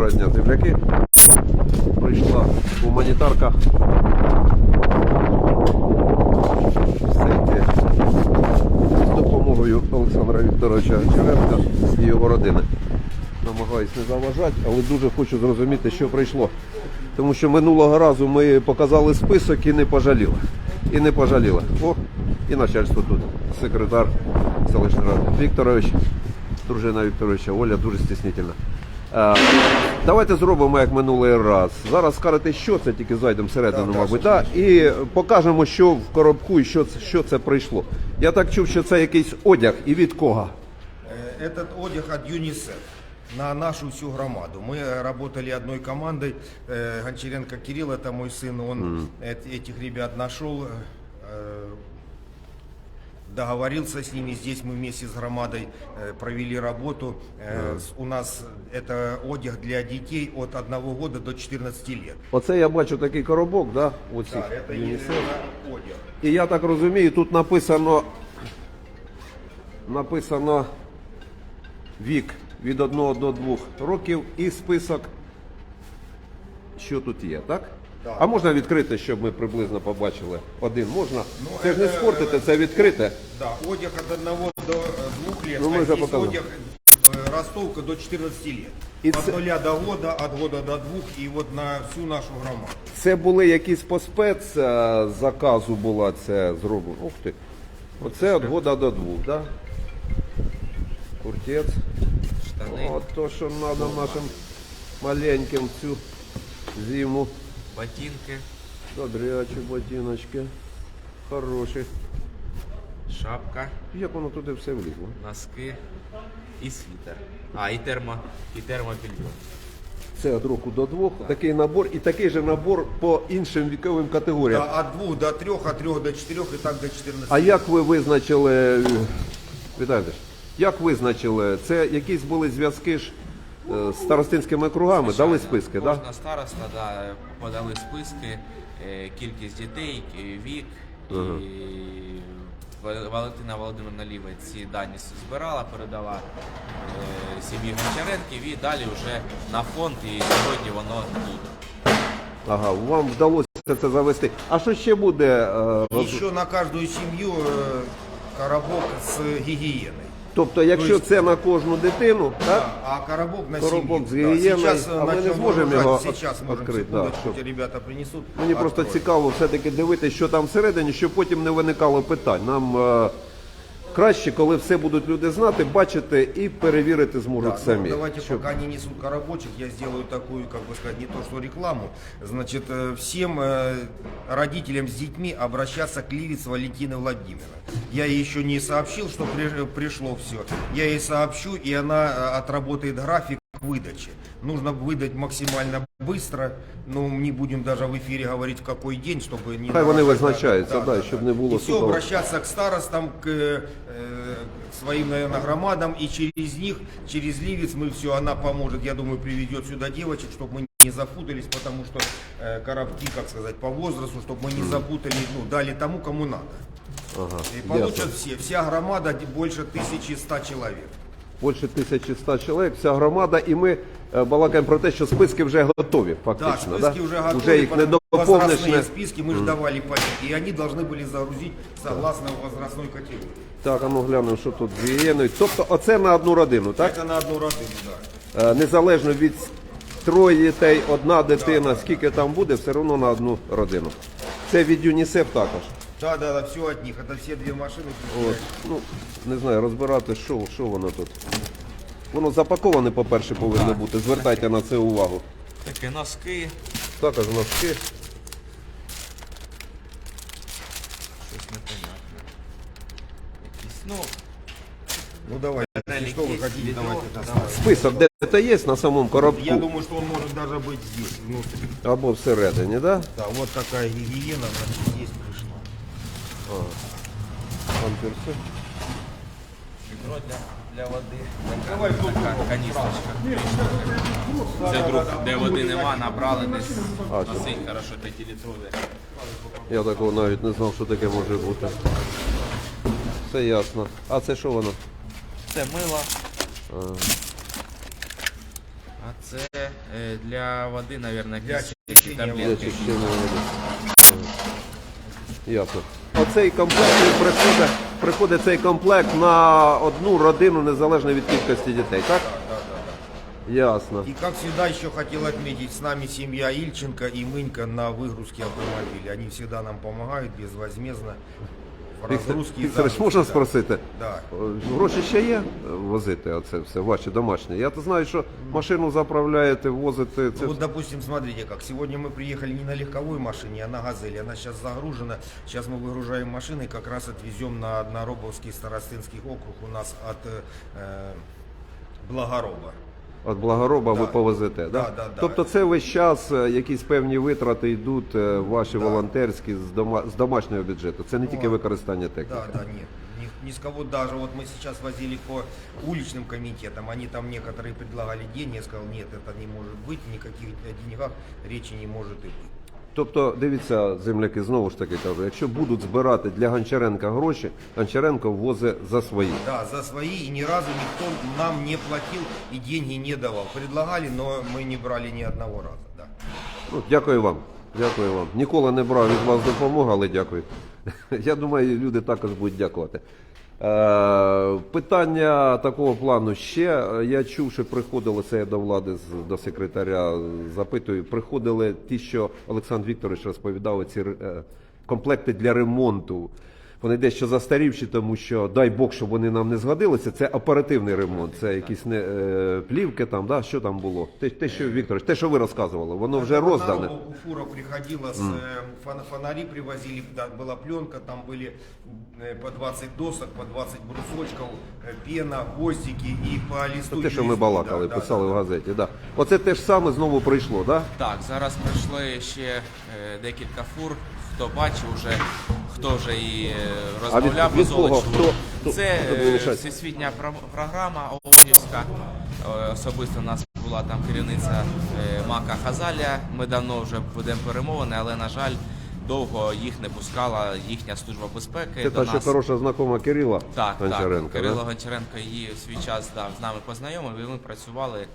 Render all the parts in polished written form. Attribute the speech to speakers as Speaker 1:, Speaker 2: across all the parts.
Speaker 1: Доброго дня, земляки. Прийшла гуманітарка. З допомогою Олександра Вікторовича Гончаренка і його родини. Намагаюсь не заважати, але дуже хочу зрозуміти, що прийшло. Тому що минулого разу ми показали список і не пожаліли. І не пожаліли. О, і начальство тут. Секретар селищної ради Вікторович, дружина Вікторовича Оля, дуже стіснительна. Давайте зробимо як минулий раз. Зараз скажете, що це, тільки зайдемо всередину, мабуть, да? І покажемо, що в коробку і що це прийшло. Я так чув, що це якийсь одяг, і від кого?
Speaker 2: Этот одяг от ЮНИСЕФ на нашу всю громаду. Мы работали одной командой. Гончаренко Кирилл, это мой сын, он этих ребят нашел, договорился с ними. Здесь мы вместе с громадой провели работу. У нас это одяг для детей от 1 года до 14 лет.
Speaker 1: Оце я бачу такий коробок, да? Оці,
Speaker 2: Да, это
Speaker 1: ЮНІСЕФ.
Speaker 2: одяг.
Speaker 1: І я так розумію, тут написано вік від 1 до 2 років і список, що тут є, так?
Speaker 2: Так.
Speaker 1: А можна відкрити, щоб ми приблизно побачили? Один можна?
Speaker 2: Ну,
Speaker 1: це ж не спортите, це відкрите.
Speaker 2: Да, одяг от 1 до 2 лет,
Speaker 1: Ну, мы
Speaker 2: а
Speaker 1: уже
Speaker 2: здесь
Speaker 1: показали.
Speaker 2: одяг ростовка до 14 лет.
Speaker 1: И
Speaker 2: От
Speaker 1: це-
Speaker 2: 0 до года, от года до 2 и вот на всю нашу громаду.
Speaker 1: Це були якісь по спецзаказу була це зроблено. Ух ти. Оце від года до 2, да? Куртець.
Speaker 3: Штани,
Speaker 1: От то, що треба нашим маленьким цю зиму.
Speaker 3: ботинки,
Speaker 1: Добрячі ботиночки. Хороші.
Speaker 3: шапка,
Speaker 1: Як воно туди все влізло?
Speaker 3: носки і світер. І термобільйон.
Speaker 1: Це від року до 2. Такий набор і такий же набор по іншим віковим категоріям.
Speaker 2: Да, от 2 до 3, от 3 до 4 и так до 14.
Speaker 1: А як ви визначили, Віталій, як визначили, це якісь були зв'язки ж з старостинськими кругами, дали списки, так?
Speaker 3: Кожна староста подали списки, кількість дітей, вік. І Валентина Володимирівна Лівець ці дані збирала, передала сім'ї Гончаренків і далі вже на фонд, і сьогодні воно тут.
Speaker 1: Ага, вам вдалося це завести. А що ще буде?
Speaker 2: Еще на каждую семью коробок с гигиеной.
Speaker 1: Тобто, якщо це на кожну дитину, так?
Speaker 2: Да, а коробок на
Speaker 1: Коробок
Speaker 2: семью.
Speaker 1: с гигиеной,
Speaker 2: Сейчас
Speaker 1: а мы не
Speaker 2: начнем
Speaker 1: сможем
Speaker 2: выгружать.
Speaker 1: его
Speaker 2: Сейчас можем
Speaker 1: открыть, да,
Speaker 2: секундочку,
Speaker 1: чтоб-
Speaker 2: ребята принесут.
Speaker 1: Мені просто
Speaker 2: откроем.
Speaker 1: цікаво все-таки дивитися, що там всередині, щоб потім не виникало питань. Нам краще, коли все будуть люди знати, бачити і перевірити зможуть
Speaker 2: Да,
Speaker 1: самі.
Speaker 2: давайте,
Speaker 1: Щоб-
Speaker 2: пока они несут коробочек, я сделаю такую, как бы сказать, не то что рекламу. Значит, всем родителям с детьми обращаться к Ливец Валентины Владимировны. Я ей еще не сообщил, что пришло все. Я ей сообщу, и она отработает график выдачи. Нужно выдать максимально быстро, но не будем даже в эфире говорить, в какой день, чтобы не...
Speaker 1: Хай вони
Speaker 2: нарушать,
Speaker 1: визначаються, да, щоб не було
Speaker 2: и все,
Speaker 1: судов.
Speaker 2: обращаться к старостам, к своим, наверное, громадам, и через них, через Ливец мы все, она поможет, я думаю, приведет сюда девочек, чтобы мы не запутались, потому что коробки, как сказать, по возрасту, чтобы мы не запутали, ну, дали тому, кому надо.
Speaker 1: Ага,
Speaker 2: И получат
Speaker 1: ясно.
Speaker 2: все, вся громада больше 1100 человек.
Speaker 1: Більше 1100 чоловік, вся громада, і ми балакаємо про те, що списки вже готові,
Speaker 2: Да,
Speaker 1: фактично.
Speaker 2: списки уже готовы,
Speaker 1: Вже їх не
Speaker 2: потому
Speaker 1: доповниш.
Speaker 2: возрастные списки мы же давали по, и они должны были загрузить согласно возрастной категории.
Speaker 1: Так, а ну глянемо, що тут з гігієною. Тобто оце на одну родину, так?
Speaker 2: Это на одну родину, да.
Speaker 1: Незалежно від 3 дітей, 1 дитина, скільки там буде, все одно на одну родину. Це від ЮНІСЕФ також.
Speaker 2: Да, все от них, это все 2 машины.
Speaker 1: От, ну, не знаю, розбирати, що воно тут. Воно запаковане, по-перше, повинно бути. Звертайте на це увагу.
Speaker 3: Такі носки,
Speaker 1: Також носки.
Speaker 3: щось непонятне. Якісь, ну,
Speaker 2: Ну давай,
Speaker 3: Реликт
Speaker 2: что вы
Speaker 3: есть,
Speaker 2: хотите,
Speaker 3: ведро,
Speaker 2: давайте
Speaker 3: давай.
Speaker 2: доставим.
Speaker 1: Список де-то є на самому коробку?
Speaker 2: Я думаю, что он может даже быть здесь, внутри.
Speaker 1: Або всередині, да?
Speaker 2: Да, вот такая гигиена, значит, здесь пришла.
Speaker 1: Памперси.
Speaker 3: відро для води.
Speaker 2: Давай,
Speaker 3: Така каністрочка. Це вдруг, де води нема, набрали десь. Носить хорошо 5-літрові.
Speaker 1: Я такого навіть не знав, що таке може бути. Все ясно. А це що воно?
Speaker 3: Це мило. А це для води, мабуть,
Speaker 2: Для
Speaker 3: якісь
Speaker 2: очищення
Speaker 1: Для
Speaker 3: таблетки.
Speaker 1: очищення води. Ясно. Оцей комплект приходить цей комплект на одну родину незалежно від кількості дітей, так? Ясно.
Speaker 2: И как всегда еще хотел отметить, с нами семья Ильченко и Мынька на выгрузке автомобиля. Они всегда нам помогают безвозмездно в разгрузке. и
Speaker 1: Вікторович,
Speaker 2: загрузке.
Speaker 1: можна
Speaker 2: Да.
Speaker 1: спросити?
Speaker 2: Да.
Speaker 1: Гроші ще є возити оце все, ваші домашні? Я то знаю, що машину заправляєте, возите. Це...
Speaker 2: Вот, допустим, смотрите как. Сегодня мы приехали не на легковой машине, а на «Газели». Она сейчас загружена. Сейчас мы выгружаем машины и как раз отвезем на Одноробовский старостинский округ у нас от Благороба.
Speaker 1: От Благороба ви
Speaker 2: Да.
Speaker 1: повезете, да?
Speaker 2: Да, да, да.
Speaker 1: Тобто це весь час якісь певні витрати йдуть ваші волонтерські з домашнього бюджету. Це не тільки використання техніки.
Speaker 2: Да, нет. Ни с кого даже. Вот мы сейчас возили по уличным комитетам, они там некоторые предлагали деньги, я сказал, нет, это не может быть, никаких деньгах речи не может и быть.
Speaker 1: Тобто, дивіться, земляки, знову ж таки кажу, якщо будуть збирати для Гончаренка гроші, Гончаренко возить за свої.
Speaker 2: Да, за свои, и ни разу никто нам не платил и деньги не давал. Предлагали, но мы не брали ни одного раза. Да.
Speaker 1: Ну, дякую вам. Дякую вам. Ніколи не брав від вас допомогу, але дякую. Я думаю, люди також будуть дякувати. Питання такого плану ще. Я чув, що приходили, це я до влади, до секретаря запитую, приходили ті, що Олександр Вікторович розповідав, ці комплекти для ремонту. Вони дещо застарівші, тому що, дай Бог, щоб вони нам не згодилися, це оперативний ремонт, це якісь плівки там, да? Що там було? Те, що, Вікторович, те, що ви розказували, воно вже роздане.
Speaker 2: Фура приходила, фонари привозили, да, была пленка, там были по 20 досок, по 20 брусочков, пена, гвоздики и по листу.
Speaker 1: Те, що ми
Speaker 2: USB,
Speaker 1: балакали,
Speaker 2: да,
Speaker 1: писали
Speaker 2: да,
Speaker 1: в газеті. Да. Оце те ж саме знову прийшло, так? Да?
Speaker 3: Так, зараз прийшли ще декілька фур. Хто бачив вже, хто вже і розмовляв
Speaker 1: від
Speaker 3: з
Speaker 1: кого?
Speaker 3: Олечкою.
Speaker 1: Хто
Speaker 3: Це
Speaker 1: буде лишати?
Speaker 3: всесвітня програма ООНівська. Особисто у нас була там керівниця Мака Хазаля. Ми давно вже ведемо перемовини, але, на жаль, довго їх не пускала їхня служба безпеки.
Speaker 1: Це
Speaker 3: до
Speaker 1: та, що
Speaker 3: нас.
Speaker 1: хороша знакома Кирила
Speaker 3: Так,
Speaker 1: Гончаренка.
Speaker 3: так. Кирило
Speaker 1: Да?
Speaker 3: Гончаренко її в свій час з нами познайомив, і ми працювали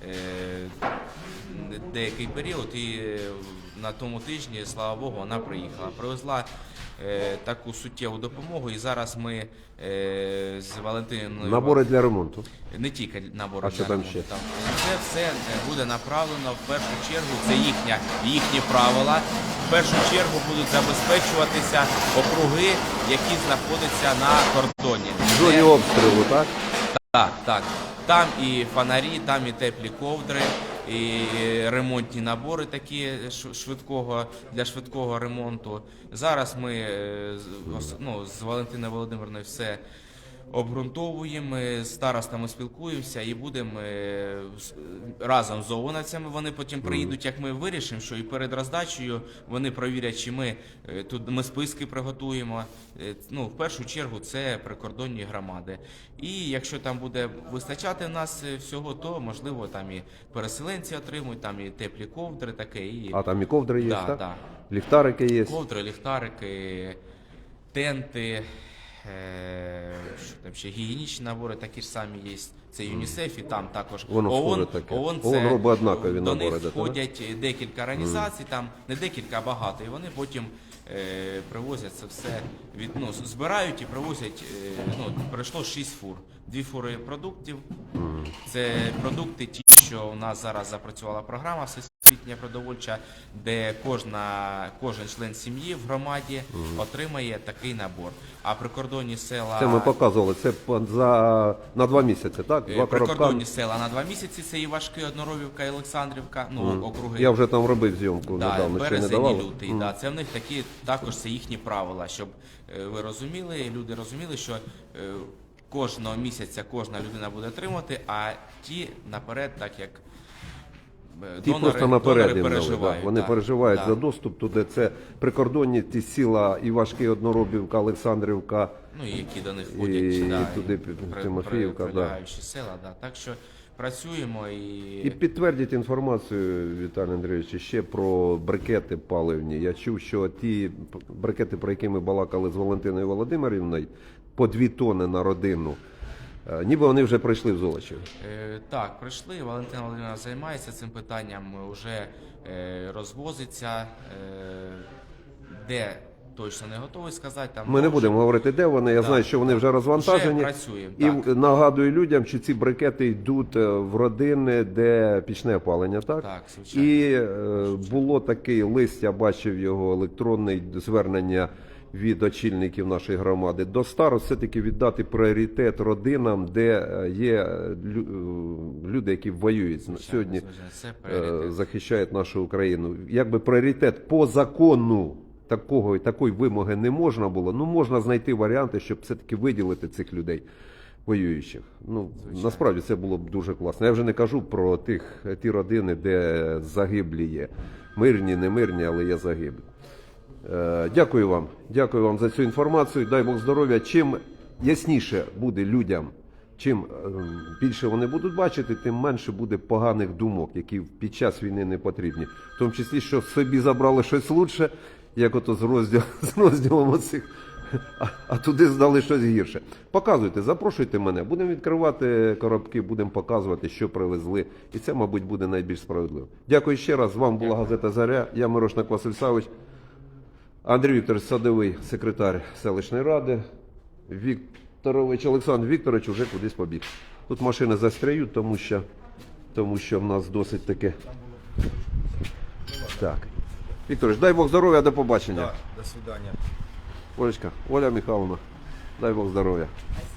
Speaker 3: деякий період, і на тому тижні, слава Богу, вона приїхала. Привезла таку суттєву допомогу, і зараз ми з Валентиною...
Speaker 1: Набори для ремонту.
Speaker 3: Не тільки набори
Speaker 1: А що
Speaker 3: для
Speaker 1: там
Speaker 3: ремонту.
Speaker 1: ще?
Speaker 3: Там. Це все буде направлено в першу чергу, це їхні правила. В першу чергу будуть забезпечуватися округи, які знаходяться на кордоні.
Speaker 1: В зоні обстрілу, так?
Speaker 3: Так, так. Там і фонарі, там і теплі ковдри, і ремонтні набори такі для швидкого ремонту. Зараз ми з Валентиною Володимирівною все обґрунтовуємо, ми з старостами спілкуємося і будемо разом з ООНовцями. Вони потім приїдуть, як ми вирішимо, що і перед роздачею вони провірять, чи ми списки приготуємо. В першу чергу це прикордонні громади. І якщо там буде вистачати в нас всього, то можливо там і переселенці отримують, там і теплі ковдри таке.
Speaker 1: А там і ковдри є,
Speaker 3: Да,
Speaker 1: так?
Speaker 3: да.
Speaker 1: Ліхтарики є.
Speaker 3: Ковдри, ліхтарики, тенти, що там ще гігієнічні набори такі ж самі є. Це ЮНІСЕФ і там також
Speaker 1: Воно
Speaker 3: ООН.
Speaker 1: схоже таке.
Speaker 3: ООН
Speaker 1: ООН робить однакові
Speaker 3: до
Speaker 1: набори,
Speaker 3: них
Speaker 1: да,
Speaker 3: входять декілька організацій, там не декілька, а багато. І вони потім привозять це все, збирають і привозять. Прийшло 6 фур. 2 фури продуктів. Це продукти ті, що у нас зараз запрацювала програма всесвітня продовольча, де кожен член сім'ї в громаді отримає такий набор. А прикордонні села...
Speaker 1: Це ми показували, це на 2 місяці, так? 2
Speaker 3: Прикордонні
Speaker 1: коробка.
Speaker 3: села на 2 місяці, це Івашки, Одноробівка і Олександрівка, округи.
Speaker 1: Я вже там робив зйомку недавно, ще не
Speaker 3: березень
Speaker 1: давали.
Speaker 3: і лютий. Це в них такі, також це їхні правила, щоб ви розуміли, люди розуміли, що кожного місяця кожна людина буде отримувати, а ті наперед, так як
Speaker 1: Ті просто наперед їм дали,
Speaker 3: переживають.
Speaker 1: да. Вони
Speaker 3: так,
Speaker 1: переживають
Speaker 3: так.
Speaker 1: за доступ туди. Це прикордонні ті села Івашки, Одноробівка, Олександрівка.
Speaker 3: Ну, і які до них входять,
Speaker 1: і
Speaker 3: да,
Speaker 1: туди Тимофіївка, да.
Speaker 3: прилягаючі села. Да. Так що працюємо
Speaker 1: І підтвердіть інформацію, Віталій Андрійович, ще про брикети паливні. Я чув, що ті брикети, про які ми балакали з Валентиною Володимирівною, по 2 тонни на родину, Ніби вони вже прийшли в Золочів.
Speaker 3: Так, прийшли. Валентина Володимирівна займається цим питанням, вже розвозиться. Де точно не готовий сказати. Там
Speaker 1: Ми не будемо говорити, де вони. Я знаю, що вони вже розвантажені.
Speaker 3: Вже працюємо,
Speaker 1: І
Speaker 3: так.
Speaker 1: нагадую людям, що ці брикети йдуть в родини, де пічне опалення, так?
Speaker 3: Так, звичайно.
Speaker 1: І було такий лист, я бачив його, електронний звернення від очільників нашої громади до старост, все-таки віддати пріоритет родинам, де є люди, які воюють сьогодні,
Speaker 3: Звичайно, це пріоритет.
Speaker 1: захищають нашу Україну. Якби пріоритет по закону такої вимоги не можна було, ну можна знайти варіанти, щоб все-таки виділити цих людей воюючих. Ну, насправді це було б дуже класно. Я вже не кажу про ті родини, де загиблі є. Мирні, не мирні, але є загиблі. Дякую вам за цю інформацію. Дай Бог здоров'я. Чим ясніше буде людям, чим більше вони будуть бачити, тим менше буде поганих думок, які під час війни не потрібні. В тому числі, що собі забрали щось лучше, як ото з розділом оцих, а туди здали щось гірше. Показуйте, запрошуйте мене. Будемо відкривати коробки, будемо показувати, що привезли. І це, мабуть, буде найбільш справедливо. Дякую ще раз. З вами була газета «Заря». Я Мирошник Василь Савич. Андрій Вікторович Садовий, секретар селищної ради. Олександр Вікторович вже кудись побіг. Тут машини застряють, тому що в нас досить таке. Так. Вікторович, дай Бог здоров'я, до побачення.
Speaker 2: Да, до свидания.
Speaker 1: Олечка, Оля Михайловна, дай Бог здоров'я.